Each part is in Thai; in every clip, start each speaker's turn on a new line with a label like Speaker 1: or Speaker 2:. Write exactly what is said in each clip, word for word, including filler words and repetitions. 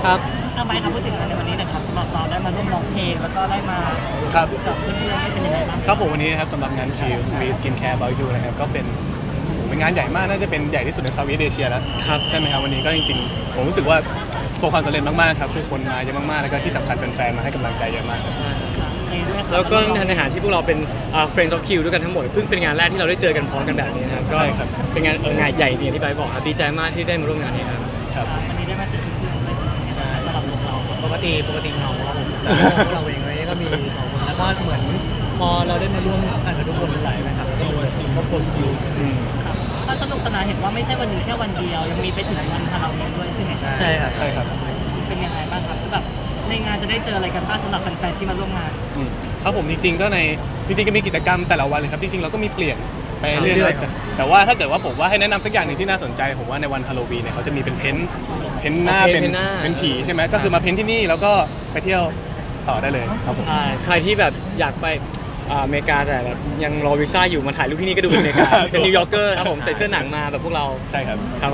Speaker 1: ครับ
Speaker 2: ทำไมครับพูดถึงงานในวันนี้นะครับสำหรับเราได้มาร่วมร้องเพลงแล้วก็ได้มา
Speaker 3: ครับ
Speaker 2: กับเพื่อนๆได้เป็นยังไงบ้าง
Speaker 3: ครับผมวันนี้นะครับสำหรับงาน Kills Me Skincare About You นะครับก็เป็นเป็นงานใหญ่มากน่าจะเป็นใหญ่ที่สุดในเซาท์อีสต์เอเชียแล้วครับใช่ไหมครับวันนี้ก็จริงๆผมรู้สึกว่าประสบความสำเร็จมากๆครับคือคนมาเยอะมากๆแล้วก็ที่สำคัญแฟนๆมาให้กำลังใจเยอะมากครับ
Speaker 1: แล้วก็ในฐานะที่พวกเราเป็นอ่า Friends of Q ด้วยกันทั้งหมดเพิ่งเป็นงานแรกที่เราได้เจอกันพร้อมกันแบบนี้นะครับก็
Speaker 3: ใช่ครับ
Speaker 1: เป็นงานเอองานใหญ่จริงๆที่ไบร์ทบอกครับดีใจมากที่ได้มาร่วมงานนี้ครับ
Speaker 3: ครับ
Speaker 2: วันนี้ได้มาเจอเพื่อนๆเลยสำหรับพวกเรา
Speaker 4: ปกติปกติเหงาครับผมแต่พวกเราเองเลยก็มีสองคนแล้วก็เหมือนพอเราได้มาร่วมอ่านกับทุกคนหลายนะครับแล้วก็เหมือนครอบครัวคิว
Speaker 2: ครับก็สนุกสนานเห็นว่าไม่ใช่วันนี้แค่วันเดียวยังมีไปถึงวันฮาโลวีนด้วยใช่ไหมครับ
Speaker 4: ใช่ครับ
Speaker 3: ใช่ครับ
Speaker 2: เป็นยังไงบ้างครับคือแบบในงานจะได้เจออะไรกันบ้างสำหรับแฟนๆที่มาร่วมงาน
Speaker 3: อืมครับผมจริงๆก็ในจริงๆก็มีกิจกรรมแต่ละวันเลยครับจริงๆเราก็มีเปลี่ยนไปเรื่
Speaker 4: เรื่
Speaker 3: อ
Speaker 4: อย ยๆ
Speaker 3: ๆแต่แต่ว่าถ้าเกิดว่าผมว่าให้แนะนำสักอย่างหนึ่งที่น่าสนใจผมว่าในวันฮาโลวีนเนี่ยเขาจะมีเป็นเพ้นท์เพ้นท์หน้า
Speaker 1: อ๋อเพ้
Speaker 3: เป็น น
Speaker 1: ท์หน้า
Speaker 3: เป็นผีใช่ไหมก็คือมาเพ้นท์ที่นี่แล้วก็ไปเที่ยวต่อได้เลยครับผม
Speaker 1: ใช่ใครที่แบบอยากไปอ่าอเมริกาแต่แบบยังรอวีซ่าอยู่มาถ่ายรูปที่นี่ก็ดูเป็นอเมริกา เป็นนิวยอร์กเกอร์ครับผมใส่เสื้อหนังมาแบบพวกเรา
Speaker 3: ใช่ครับ
Speaker 1: ครับ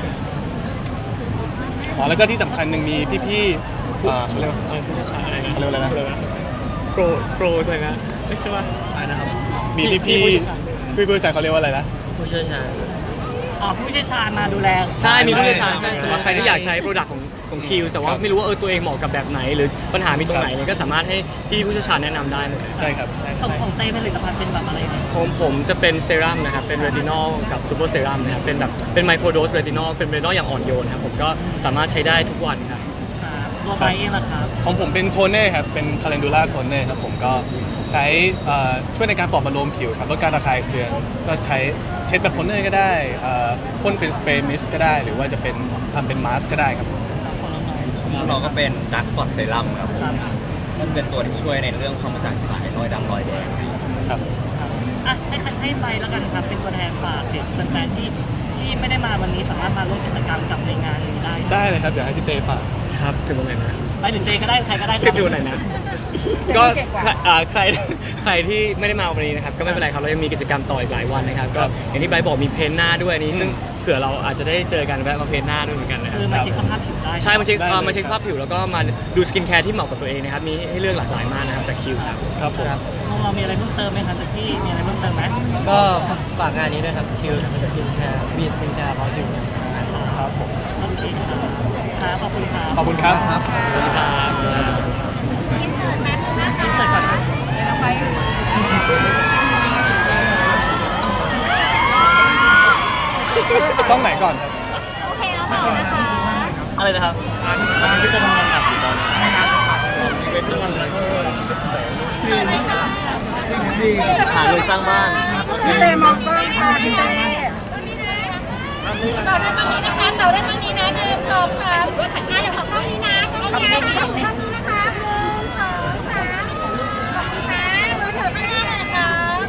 Speaker 3: อ๋อแล้วก็ที่สำคัญหนึ่งมีพี่ๆอ่าเขาเรียกว่า
Speaker 1: อะไรผู้เชี่ยวชาญอะไรนะ
Speaker 3: เขาเรียกว่าอะไรนะ
Speaker 1: โปรโปรอะไรนะไม่ใช่ว่า
Speaker 4: อะไรนะครับ
Speaker 3: มีพี่
Speaker 1: พี่
Speaker 3: พี่
Speaker 1: ผู้เชี่ยวชาญ
Speaker 3: พี่ผู้ชายเขาเรียกว่าอะไรนะ
Speaker 4: ผู้เชี่ยวชาญ
Speaker 2: อ๋อผู้เชี่ยวชาญมาดูแล
Speaker 1: ใช่มีผู้เชี่ยวชาญ
Speaker 3: ใช่
Speaker 1: ใช่
Speaker 3: ใช่
Speaker 1: สำหรับใครที่อยากใช้โปรดักต์ของของคิวแต่ว่า
Speaker 3: ครับ
Speaker 1: ไม่รู้ว่าเออตัวเองเหมาะกับแบบไหน หรือปัญหามีตรงไหนเนี่ยก็สามารถให้พี่ผู้เชี่ยวชาญแนะนำได้หมดเลย
Speaker 3: ใช่ครับ
Speaker 2: ของของเต้ผลิตภัณฑ์เป็นแบบอะไรเนี่ย
Speaker 1: ของผมจะเป็นเซรั่มนะครับเป็นเรตินอลกับซูเปอร์เซรั่มนะครับเป็นแบบเป็นไมโครโดสเรตินอลเป็นเรตินอลอย่างอ่อนโยนครับผมก็สามารถใช้ได้ทุกวันครับ
Speaker 2: ครับตัวไบเองล่ะครับ
Speaker 3: ของผมเป็นโทนเน่ครับเป็นคาเลนดูล่าโทนเน่ครับผมก็ใช้เอ่อช่วยในการปลอบประโลมผิวครับลดการระคายเคืองก็ใช้เช็ดแบบโทนเนอร์ก็ได้เอ่อพ่นเป็นสเปรย์มิสก็ได้ หรือว่าจะเป็นทำเป็นมาสก์ก็ได้ครับ
Speaker 2: ของเราหน่อย
Speaker 5: เราก็เป็น Dark Spot Serum ครับผม
Speaker 2: ครับ
Speaker 5: มันเป็นตัวที่ช่วยในเรื่องความกระจ่างใสรอยดำรอยแดง
Speaker 3: ครับ
Speaker 2: ครับอ่ะให้ให้ไปแล้วกันครับเป็นตัวแทนฝากถึงแฟนๆที่ที่ไม่ได้มาวันนี้สามารถมาร่วมกิจกรรมกับในงานนี้ได้
Speaker 3: ได้เลยครับเดี๋ยวให้พี่เต้ฝาก
Speaker 1: ครับถึงตรงไหนนะ
Speaker 2: ไปถึงเจก็ได้ใครก็ได้ค
Speaker 1: ขึ้
Speaker 2: รั
Speaker 1: นดูหน่อยนะ ก็อ่าใครใครที่ไม่ได้มาวันนี้นะครับก็ไม่เป็นไรครับเรายังมีกิจกรรมต่ออีกหลายวันนะครับก็อย่างที่ไบร์ทบอกมีเพ้นท์หน้าด้วยอันนี้ซึ่งเผื่อเราอาจจะได้เจอกันแวะมาเพ้นท์หน้าด้วยเหมือนกันนะครั
Speaker 2: คื
Speaker 1: บ
Speaker 2: อมาเช็คสภาพผิวได้
Speaker 1: ใช่มาเช็ค
Speaker 3: ได้เลย
Speaker 1: เอ่อมาเช็คสภาพผิวแล้วก็มาดูสกินแคร์ที่เหมาะกับตัวเองนะครับมีให้เลือกหลากหลายมากนะครับจากคิวครับ
Speaker 3: ครับผม
Speaker 2: ของเรามีอะไรเพิ่มเติมไหมครับจากที่มีอะไรเพิ่มเติมไหม
Speaker 4: ก็ฝากงานนี้ด้วยครับ Q Skincare B Skincare About You
Speaker 3: ครับผม
Speaker 2: โอเคครับครับขอบคุณครับ
Speaker 3: ขอบคุณครับ
Speaker 1: ขอบคุณครับ
Speaker 2: อินเสิร์ตก่อนนะ
Speaker 3: กล้องไหนก่อนครับ
Speaker 6: โอเคแล้วต่อนะคะ
Speaker 2: อะไรนะครับ
Speaker 4: งานที่จะทำงานหนักอยู่ตอนนี้ไม่งานเป็นเรื่องอะไร
Speaker 1: หาเงินสร้างบ้าน
Speaker 6: พี่เต้มองกล้องค่ะพี่เต้ต่อได้ตรงนี้นะคะต่อได้ตรงนี้นะหนึ่งสองสามถัดหน้าเดี๋ยวขอกล้องนี้นะกล้องนี้นะคะกล้องนี้นะคะหนึ่งสองสามขอบคุณนะมือถือข้างหน้าหน่อยครับ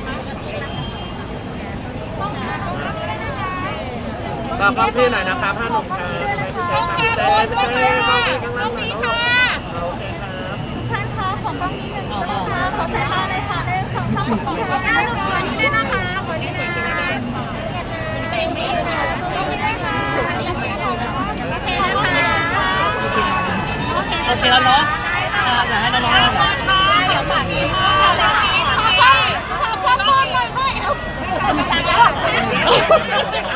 Speaker 6: กล้องนี้กล้องนี้ด้วยนะคะ
Speaker 4: ฝากกล้องพี่หน่อยนะครับห้าหนุ่มครับพี่เต้ครับพี่เต้พี่เต้กล้องพี่ข้างล่างหน่อย
Speaker 6: กล้อง
Speaker 4: เนาะ
Speaker 6: นี้ค่ะ
Speaker 4: โอเคครับ
Speaker 6: ท่านคะขอกล้องนี้หนึ่งนะคะขอสายตาเลยค่ะหนึ่งสองสามขอบคุณค่ะหน้าลูกขอนี้ด้วยนะคะขอนี้นะเป็นไม่ค่ะกล้องนี้ด้วยค่ะโอเคนะคะโอเค
Speaker 2: โอเคแล้วเนาะอ่าอยากให้น้องๆได้ไหม
Speaker 6: เดี๋ยวฝากนี้ค่ะขอกล้องขอกล้องหน่อยค่อยเอา